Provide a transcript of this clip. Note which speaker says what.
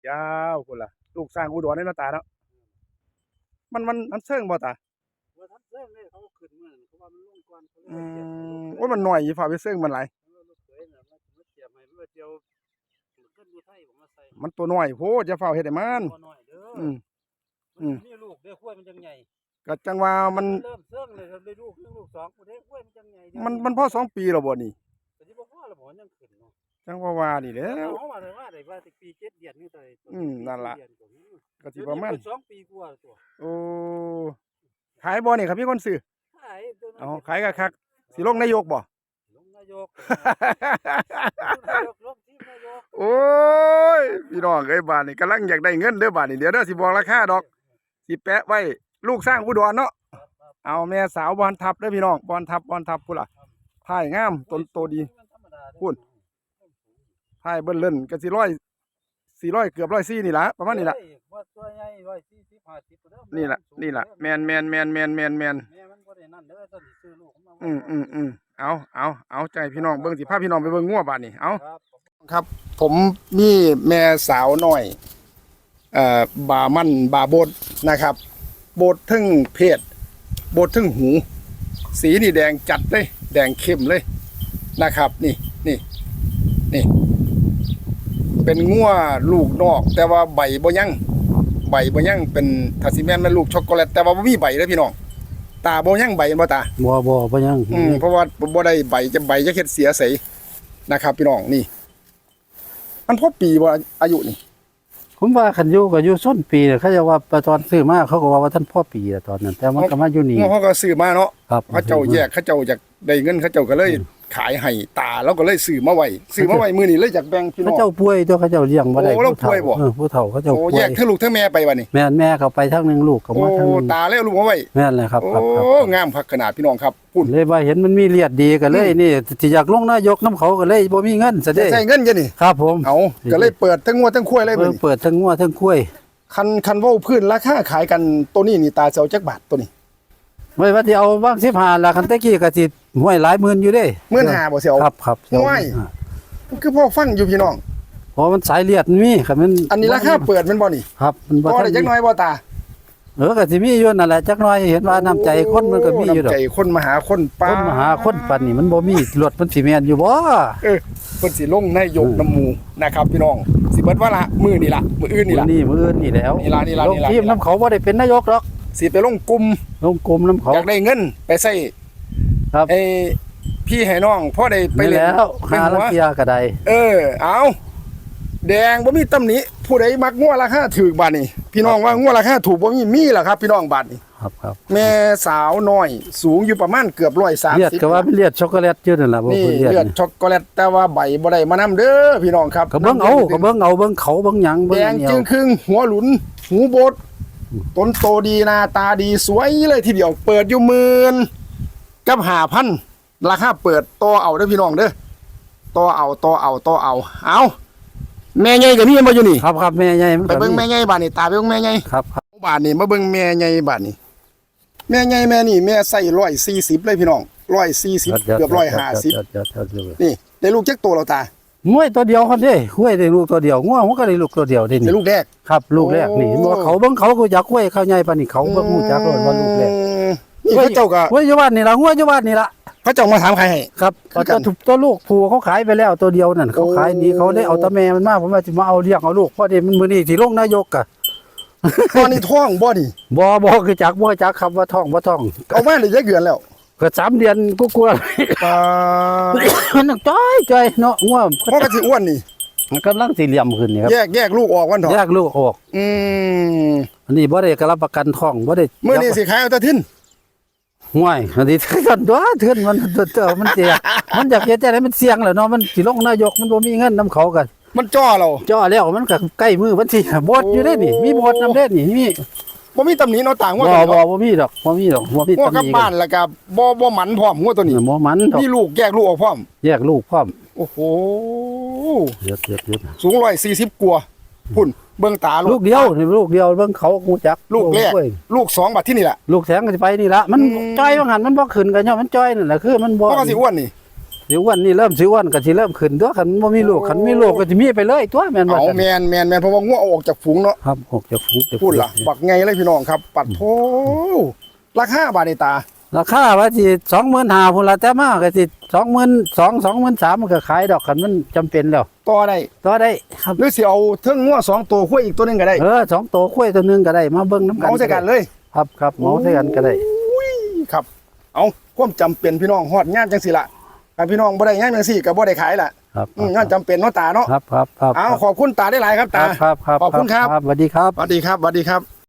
Speaker 1: ยาวพุ่นล่ะลูกสร้างอุดรในหน้าตาเนาะมันเชิงบ่ตา
Speaker 2: ว่าทันเซิงเลยเขาขึ้นมื้อนั้นเขาว่ามันลงก่อนเขาเลย
Speaker 1: อื
Speaker 2: เตรียมให้ลูกเขย
Speaker 1: โอ้ยมันน้อยอยู่ฝ่าไปเชิงมันหลาย
Speaker 2: ลูกเขยน่ะมาเตรียมให้มันเดียวขึ้นอยู่ไทยผมมาใส่
Speaker 1: มันตัวน้อยโพดอย่าเฝ้าเฮ็ดให้มัน
Speaker 2: บ่น้อยเด้อ
Speaker 1: อืม
Speaker 2: มันมีลูกเด้อข้วยมันจังใหญ่
Speaker 1: ก็จังว่ามัน
Speaker 2: เริ่มเซิงเลยครับได้ลูก1ลูก2ผู้ใดข้วยมันจังใหญ่
Speaker 1: มันพอ2ปีแล้วบ่นี่
Speaker 2: ก็สิบ่พอแล้วบ่ยังขึ้นเนาะ
Speaker 1: จังว่านี่แหล้ว
Speaker 2: เฮาว่าได้ว่าปี7เดือนนี่ตัว
Speaker 1: นั่นล่ะก็สิประมาณ
Speaker 2: 2ปีกว่าตัว
Speaker 1: โอ้ขายบ่นี่ครับมีคนซื้อ
Speaker 2: ขาย
Speaker 1: เอาขายคักๆสิลงนายกบ่
Speaker 2: ลงนายกลงทีมนายก
Speaker 1: โอ้ยพี่น้องเอ้ยบ้านนี่กำลังอยากได้เงินเด้อบ้านนี่เดี๋ยวเด้อสิบอกราคาดอกสิแปะไว้ลูกสร้างอุดรเนาะเอาแม่สาวบอลทับเด้อพี่น้องบอลทับพุ่นล่ะถ่ายงามต้นโตดีพุ่นถ่ายเบิ่นเล่นก็สิ400เกือบ104นี่ล่ะประมาณนี้ล่ะ
Speaker 2: ตัวใหญ่140 50เด้อ
Speaker 1: นี่ล่ะแม่นแม่น
Speaker 2: แม่มันบ่ได้นั่นเด้อต้นสิซื้อลูก
Speaker 1: มันเอาใจพี่น้องเบิ่งสิพาพี่น้องไปเบิ่งงัวบ้านนี่เอาครับผมมีแม่สาวน้อยบามันบาโบดนะครับโบดทึ่งเพศโบดทึ่งหูสีนี่แดงจัดเลยแดงเข้มเลยนะครับนี่เป็นงัวลูกนอกแต่ว่าใบบ่ยังเป็นทัสซิแมนมันลูกช็อกโกแลตแต่ว่าบ่มีใบเลยพี่น้องตาบ่ยังใบบ่ตา
Speaker 2: บ่ยัง
Speaker 1: เพราะว่าบ่ได้ใบจะเฮ็ดเสียใสนะครับพี่น้องนี่มันพอปีบ่อายุนี่
Speaker 2: ผมว่าคันอยู่ก็อยู่ส้นปีเขาจะว่าตอนซื้อมาเขาก็ว่าท่านพ่อปีตอนนั้นแต่มันก็มาอยู่นี่
Speaker 1: เขาก็ซื้อมาเนาะเขาเจ้าแยกเขาเจ้าอยากได้เงินเขาเจ้าก็เลยขายให้ตาแล้วก็เลยซื้อมาไว้มื้อนี้เลยจากแบ่งพี่น้อง
Speaker 2: เขาเจ้าป่วยตัวเขาเจ้าเลี้ยงบ่ได้ผู้เฒ่าเขาเจ้าป่วย
Speaker 1: แยกทั้งลูกทั้งแม่ไปบัดนี้
Speaker 2: แม่เขาไปทั้งนึงลูกก็มาทั้ง
Speaker 1: ตาแล้วลูกมาไว้
Speaker 2: แม่นเลยครับ
Speaker 1: โอ้งามคักขนาดพี่น้องครับ
Speaker 2: พุ่นเลยว่าเห็นมันมีเลียดดีก็เลยนี่สิอยากลงนายกนำเขาก็เลยบ่มีเงินซะเด้
Speaker 1: ใช้เงินจังนี่
Speaker 2: ครับผม
Speaker 1: เอาก็เลยเปิดทั้งงัวทั้งควายเลยมื้อนี้
Speaker 2: เปิดทั้งงัวทั้งควาย
Speaker 1: คันเว้าพื้นราคาขายกันตัวนี้นี่ตาสิเอาจักบาทตัวนี้
Speaker 2: ไว้ว่าสิเอาบ้าง15ล่ะคันตะกี้ก็สิห้วยหลายหมื่นอยู่เด้
Speaker 1: 15,000บ่สิเอา
Speaker 2: ครับ
Speaker 1: ห้วยคือพ่อฟังอยู่พี่น้อง
Speaker 2: เพราะมันสายเลือดมีครับมัน
Speaker 1: อันนี้ราคาเปิดมันบ่นี่
Speaker 2: ครับมัน
Speaker 1: บ่ได้จักน้อยบ่ตา
Speaker 2: ก็สิมีอยู่นั่นแหละจักน้อยเห็นว่าน้ำใจคนมันก็มีอยู่ดอก
Speaker 1: น้ำใจคนมาหาคนป้า
Speaker 2: คนมาหาคนปานนี้มันบ่มีรถมันสิแม่นอยู่บ่
Speaker 1: เพิ่นสิลงนายกน้ำหมู่นะครับพี่น้องสิเบิดว่าละมื้อนี่ล่ะมื้ออื่นนี่ล่ะ
Speaker 2: มื้ออื่นนี่แล้ว
Speaker 1: นี่ล่ะ
Speaker 2: ลงทีมน้ำเขาบ่ได้เป็นนายกหรอก
Speaker 1: สิไปลงกลุ่ม
Speaker 2: น้ำเขา
Speaker 1: อยากได้เงินไปใช้
Speaker 2: ครับ
Speaker 1: พี่ให้น้องพอได้ไปเล่น
Speaker 2: แล้วหาลังเกียก็ได้
Speaker 1: เอาแดงบ่มีตำหนิผู้ใดมักงัวราคาถูกบาดนี้พี่น้องว่างัวราคาถูกบ่มีล่ะครับพี่น้องบาดนี้
Speaker 2: ครับ
Speaker 1: แม่สาวน้อยสูงอยู่ประมาณเกือบ130
Speaker 2: เลือดก็ว่าเป็นเลือดช็อกโกแลตอยู่นั่นล่ะบ่
Speaker 1: นี่เลือดช็อกโกแลตแต่ว่าใบบ่ได้มานำเด้อพี่น้องครับ
Speaker 2: ก็เบิ่งเอาเบิ่งเขาเบิ่งหยัง
Speaker 1: แดงจึงครึ่งหัวหลุนหูโบดต้นโตดีหน้าตาดีสวยเลยทีเดียวเปิดอยู่10,000กับ5,000ราคาเปิดต่อเอาเด้อพี่น้องเด้อต่อเอาแม่ใหญ่ก็มีบ่อยู่นี่
Speaker 2: ครับแม่ใหญ่
Speaker 1: ไปเบิ่งแม่ใหญ่บาดนี้ตาไปเบิ่งแม่ใหญ่
Speaker 2: ครับ
Speaker 1: บาดนี้มาเบิ่งแม่ใหญ่บาดนี้แม่ใหญ่แม่นี่แม่ใส่140เลยพี่น้อง140เกือบ150นี่ได้ลูกจักตัวแล้วตา
Speaker 2: ง้วยตัวเดียวคนเด้ห้วยได้ลูกตัวเดียวง้วมันก็ได้ลูกตัวเดียวได้นี่
Speaker 1: ได้ลูกแรก
Speaker 2: ครับลูกแรกนี่บ่เขาเบิ่งเขาก็อยากห้วยเขาใหญ่ปานนี้เขาเบิ่งฮู้จักว่าลูกแรก
Speaker 1: นี่เขาเจ้าก็
Speaker 2: ห้วยอยู่บ้านนี่ล่ะห้วยอยู่บ้านนี่ล่ะ
Speaker 1: เขาเจ้ามาถามใครให้
Speaker 2: ครับตัวลูกผู้เขาขายไปแล้วตัวเดียวนั่นเขาขายนี่เขาได้เอาตาแม่มันมาผมว่าสิมาเอาเลี้ยงเอาลูกพอดีมันมื้อนี้สิลงนายกอะ
Speaker 1: ตอนนี้ท้องบ่นี่
Speaker 2: บ่คือจักบ่จักครับว่าท้อง
Speaker 1: เอามาได้จักเดือนแล้ว
Speaker 2: ก็3เดือนกลัวๆมันจ้อยเนาะง่วง
Speaker 1: เพราะก็สิอ้วนนี่
Speaker 2: กำลังสิเหลี่ยมขึ้นนี่ครับ
Speaker 1: แยกลูกออกวันเถาะ
Speaker 2: แยกลูกออกอันนี้บ่ได้ก็รับประกันท้องบ่ได้
Speaker 1: มื้อนี้สิขายเอาแต่ทิน
Speaker 2: ห่วยอันนี้กันตัวเทือนมันเสียมันอยากเฮ็ดจังได๋มันเสี่ยงแหละเนาะมันสิลงนายกมันบ่มีเงินนำเขากัน
Speaker 1: มันจ่อเรา
Speaker 2: แล้วมันก็ใกล้มือวันที่บดอยู่ได้นี่มีบดนำเด้นี่มี
Speaker 1: บ่มีตำหนิเนาะต่างว่า
Speaker 2: บ่มีดอกบ่มี
Speaker 1: งัวกับบ้านแล้วก็บ่หมันพร้อมงัวตัวนี้
Speaker 2: บ่หมัน
Speaker 1: มีลูกแยกลูกออกพร้อมโอ้โห
Speaker 2: เยอะ
Speaker 1: สูง140กว่าพุ่นเบิ่งตา
Speaker 2: ลูกเดียวเบิ่งเขาฮู้จัก
Speaker 1: ลูกแรกลูก2บัดที่นี่ล่ะ
Speaker 2: ลูกแสงก็สิไปนี่ล่ะมันจ้อยว่าหั่นมันบ่ขึ้นกันเนาะมันจ้อยนั่นแหละคือมันบ่
Speaker 1: ก็สิอ้วนนี่
Speaker 2: สิอ้วนนี่เริ่มสิอ้วนก็สิเริ่มขึ้นตัวคันบ่มีลูกคันมีลูกก็สิมีไปเลยตัวแม่นบ่
Speaker 1: เอา
Speaker 2: ซั่น
Speaker 1: แม่นเพราะว่างัวเอาออกจากฝูงเนาะ
Speaker 2: ครับออกจากฝูง
Speaker 1: พูดล่ะบักไงเลยพี่น้องครับ ปัดโธราคาบาทในตา
Speaker 2: ราคาว่าสิ25,000พุ่นละแต่มาก็สิ22,000 23,000มันก็ขายดอกคันมันจำเป็นแล้ว
Speaker 1: ต่อได้
Speaker 2: ต่อได้ครับ
Speaker 1: หรือสิเอาเทิงงัว2ตัวขั้วอีกตัวหนึงก็ได้
Speaker 2: สองตัวคุ้ยตัวหนึงก็ได้มาเบิ่งน้ำกัน
Speaker 1: เอาใส่กันเลย
Speaker 2: ครับเมาใส่กันก็ได้
Speaker 1: อุ้ยครับ เอาความจำเป็นพี่น้องฮอดงานจังสิล่ะถ้าพี่น้องบ่ได้งานจังสิก็บ่ได้ขายล่ะ
Speaker 2: ครับ
Speaker 1: งานจำเป็นเนาะตาเนาะ
Speaker 2: ครับ
Speaker 1: เอาขอบคุณตาได้หลายครับตา
Speaker 2: ครับ
Speaker 1: ขอบคุณครับ
Speaker 2: สวัสดีครับ
Speaker 1: สวัสดีครับ